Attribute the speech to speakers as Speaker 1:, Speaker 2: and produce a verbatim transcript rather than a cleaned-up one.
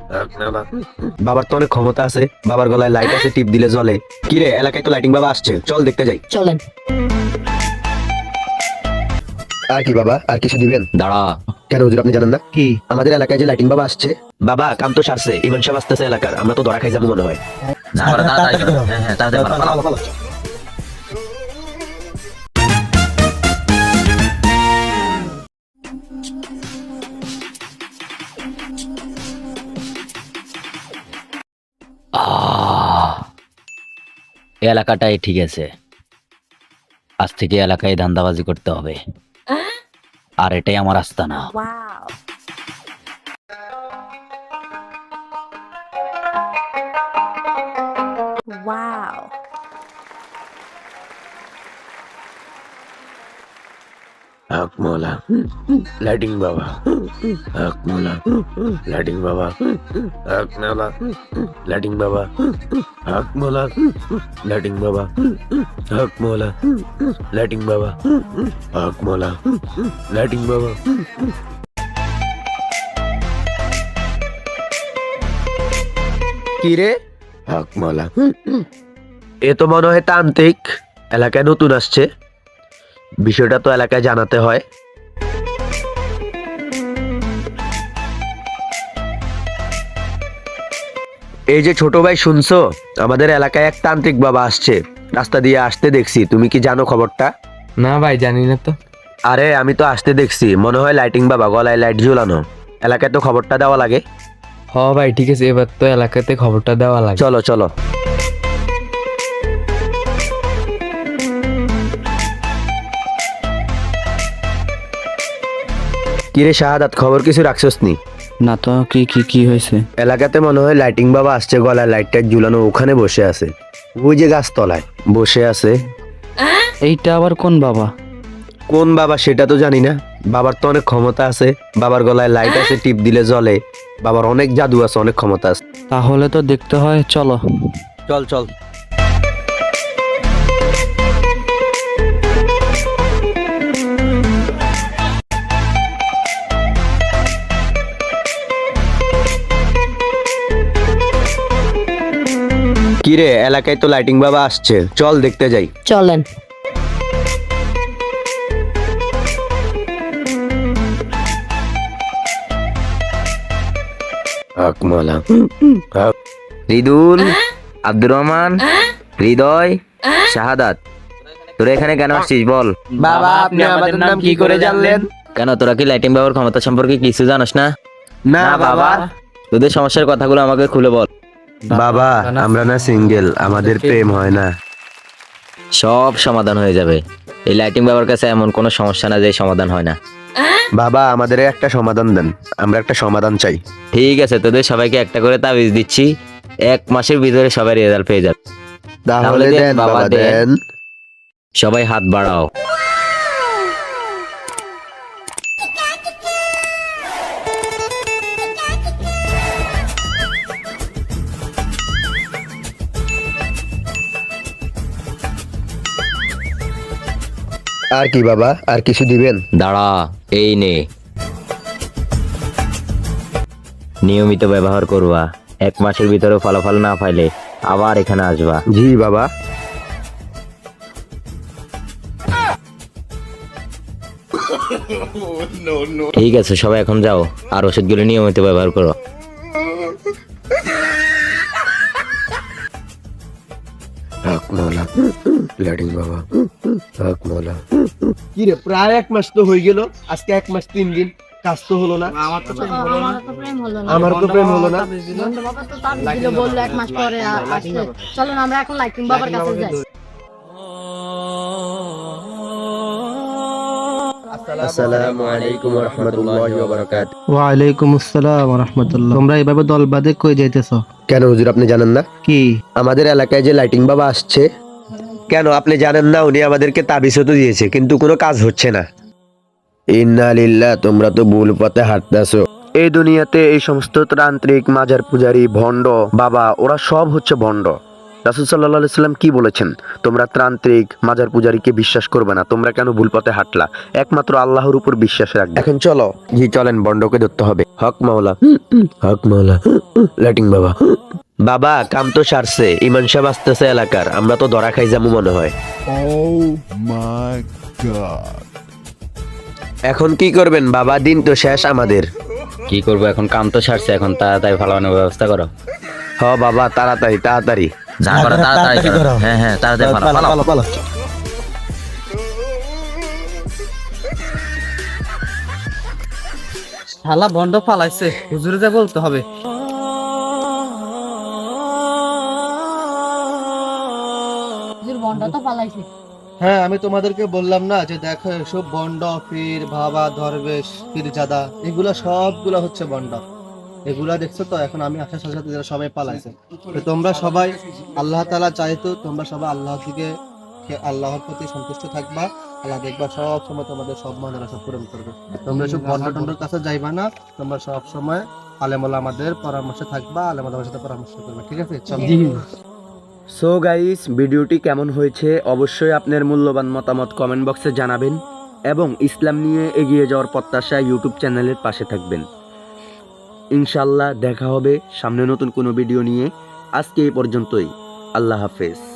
Speaker 1: বাবার তো অনেক ক্ষমতা আছে, বাবার গলায় লাইট আছে, টিপ দিলে জ্বলে। কি রে, এলাকায় তো লাইটিং বাবা আসছে, চল দেখতে যাই।
Speaker 2: চলেন।
Speaker 1: আর কি বাবা, আর কিছু দিবেন?
Speaker 3: দাঁড়া।
Speaker 1: কেন হুজুর, আপনি জানেন না?
Speaker 4: কি?
Speaker 1: আমাদের এলাকায় যে লাইটিং বাবা আসছে। বাবা, কাম তো সারছে, ইমাম সাহেব আসতেছে এলাকার, আমরা তো ধরা খাই যাবো মনে হয়।
Speaker 3: না, ওরা তাড়াতাড়ি করো। হ্যাঁ, হ্যাঁ, তাড়াতাড়ি করো, পালাও, পালাও। আহ, এই এলাকাটাই ঠিক আছে। আজ থেকে এলাকায় ধান্দাবাজি করতে হবে, আর এটাই আমার আস্তানা।
Speaker 2: ওয়াও। ওয়াও।
Speaker 1: হক মৌলা লাইটিং বাবা, হক মৌলা লাইটিং বাবা, হক মৌলা লাইটিং বাবা, হক মৌলা লাইটিং বাবা, হক মৌলা লাইটিং বাবা, হক মৌলা লাইটিং বাবা। কি রে? হক মৌলা। এ তো মনে হয় তান্ত্রিক, এলাকায় নতুন আসছে, বিষয়টা তো এলাকায় জানাতে হয়। এই যে ছোট ভাই, শুনছো? আমাদের এলাকায় এক তান্ত্রিক বাবা আসছে, রাস্তা দিয়ে আসতে দেখছি। তুমি কি জানো খবরটা?
Speaker 4: না ভাই, জানি না তো।
Speaker 1: আরে আমি তো আসতে দেখছি, মনে হয় লাইটিং বাবা, গলায় লাইট ঝুলানো। এলাকায় তো খবরটা দেওয়া লাগে।
Speaker 4: হ ভাই, ঠিক আছে, এবার তো এলাকাতে খবরটা দেওয়া লাগে।
Speaker 1: চলো চলো। কিরে শাহাদাত, খবর কিছু রাখছস নি?
Speaker 3: না তো, কি কি কি হয়েছে?
Speaker 1: এলাকাতে মনে হয় লাইটিং বাবা আসছে, গলায় লাইট টাইট ঝুলানো, ওখানে বসে আছে। ওই যে গাছতলায় বসে আছে।
Speaker 3: এইটা আবার কোন বাবা?
Speaker 1: কোন বাবা সেটা তো জানি না, বাবার তো অনেক ক্ষমতা আছে, বাবার গলায় লাইট আছে, টিপ দিলে জ্বলে, বাবার অনেক জাদু আছে, অনেক ক্ষমতা আছে।
Speaker 3: তাহলে তো দেখতে হয়, চলো।
Speaker 1: চল চল। কিরে, এলাকায় তো লাইটিং বাবা আসছে, চল দেখতে যাই।
Speaker 2: চলেন।
Speaker 1: আকমালা, রিদুল, আব্দুর রহমান, হৃদয়, শাহাদাত, তোরা এখানে কেন আসছিস বল?
Speaker 4: বাবা, আপনি আমাদের নাম কি করে জানলেন?
Speaker 3: কেন, তোরা কি লাইটিং বাবার ক্ষমতা সম্পর্কে কিছু জানোস না?
Speaker 1: না বাবা।
Speaker 3: তোদের সমস্যার কথাগুলো আমাকে খুলে বল।
Speaker 1: বাবা, আমরা না সিঙ্গেল, আমাদের প্রেম হয় না।
Speaker 3: সব সমাধান হয়ে যাবে। এই লাইটিং বাবার কাছে এমন কোনো সমস্যা না যে সমাধান হয় না।
Speaker 1: বাবা, আমাদের একটা সমাধান দেন, আমরা একটা সমাধান চাই।
Speaker 3: ঠিক আছে, তোদের সবাইকে একটা করে তাবিজ দিচ্ছি, এক মাসের ভিতরে সবাই রেজাল্ট পেয়ে যাবে।
Speaker 1: তাহলে দেন বাবা, দেন।
Speaker 3: সবাই হাত বাড়াও।
Speaker 1: আর কি বাবা, আর কিছু দিবেন?
Speaker 3: দাঁড়া, এই নে, নিয়মিত ব্যবহার করবা। এক মাসের ভিতরে ফলাফল না পাইলে আবার এখানে আসবা।
Speaker 1: জি বাবা।
Speaker 3: ঠিক আছে, সবাই এখন যাও, আর ওষুধগুলো নিয়মিত ব্যবহার করো।
Speaker 1: হক মৌলা লাইটিং বাবা, হক মৌলা।
Speaker 5: কি রে, প্রায় এক মাস তো হয়ে গেল, আজকে এক মাস তিন দিন কাজ তো হলো না।
Speaker 2: আমার তো প্রেম হলো না।
Speaker 5: আমার তো প্রেম হলো না।
Speaker 2: বন্ধু বাবা তো তার দিল, বললো এক মাস পরে আ- আসতে। চলো না, আমরা এখন লাইটিং বাবার কাছে যাই।
Speaker 1: আসসালামু আলাইকুম ওয়া রাহমাতুল্লাহি ওয়া বারাকাতুহু।
Speaker 4: ওয়ালাইকুম আসসালাম ওয়া রাহমাতুল্লাহ। তোমরা এভাবে দল বাঁধে কই যাইতেছো?
Speaker 1: কেন হুজুর, আপনি জানেন না?
Speaker 4: কি?
Speaker 1: আমাদের এলাকায় যে লাইটিং বাবা আসছে। কেন আপনি জানেন না? উনি আমাদেরকে তাবিজও তো দিয়েছে, কিন্তু কোনো কাজ হচ্ছে না। ইন্না লিল্লাহ, তোমরা তো ভুল পথে হাঁটতেছো। এই দুনিয়াতে এই সমস্ত তান্ত্রিক, মাজার পূজারি, ভণ্ড বাবা, ওরা সব হচ্ছে ভণ্ড। রাসূল সাল্লাল্লাহু আলাইহি সাল্লাম কি বলেছেন? তোমরা ত্রান্ত্রিক মাজার পূজারীকে বিশ্বাস করবে না। তোমরা কেন ভুল পথে হাঁটলা? একমাত্র আল্লাহর উপর বিশ্বাস রাখবে। এখন চলো, জি চলেন, বন্ডকে ধরতে হবে। হক মাওলা, হক মাওলা, লাইটিং বাবা। বাবা কাম তো সারছে, ইমান সাহেব আসতেছে এলাকার, আমরা তো ধরা খাই যাবো মনে হয়।
Speaker 6: Oh my god.
Speaker 1: এখন কি করবেন বাবা? দিন তো শেষ আমাদের।
Speaker 3: কি করবো এখন, কাম তো সারছে, এখন তাড়াতাড়ি ফালানোর ব্যবস্থা করো।
Speaker 1: হ বাবা, তাড়াতাড়ি তাড়াতাড়ি।
Speaker 3: যা করো তাড়াতাড়ি করো। হ্যাঁ হ্যাঁ তাড়াতাড়ি ফালাও, ফালাও।
Speaker 4: শালা বন্ধ ফালাইছে, হুজুরে যা বলতে হবে।
Speaker 2: হুজুর বন্ডা তো পালাইছে।
Speaker 5: হ্যাঁ, আমি তোমাদেরকে বললাম না যে দেখো এসব বন্ড, পীর, বাবা, দরবেশ, পীরজাদা, এগুলা সবগুলা হচ্ছে বন্ড। এগুলা দেখছো তো, এখন আমি আসার সাথে সাথে এরা সবাই পালাইছে। তো তোমরা সবাই, আল্লাহ তাআলা চাইতো তোমরা সবাই আল্লাহর দিকে, আল্লাহর প্রতি সন্তুষ্ট থাকবা। আল্লাহ দেখবা সব সময় তোমাদের সব মনের আশা পূরণ করবে। তোমরা সব বন্ড টন্ডর কাছে যাইবা না, তোমরা সব সময় আলেমুল আমাদের পরামর্শে থাকবা, আলেমুল আমাদের সাথে পরামর্শ করবে, ঠিক আছে? চলো।
Speaker 1: সো গাইস, ভিডিওটি কেমন হয়েছে অবশ্যই আপনার মূল্যবান মতামত কমেন্ট বক্সে জানাবেন এবং ইসলাম নিয়ে এগিয়ে যাওয়ার প্রত্যাশা ইউটিউব চ্যানেলের পাশে থাকবেন। ইনশাল্লাহ দেখা হবে সামনে নতুন কোনো ভিডিও নিয়ে। আজকে এই পর্যন্তই। আল্লাহ হাফেজ।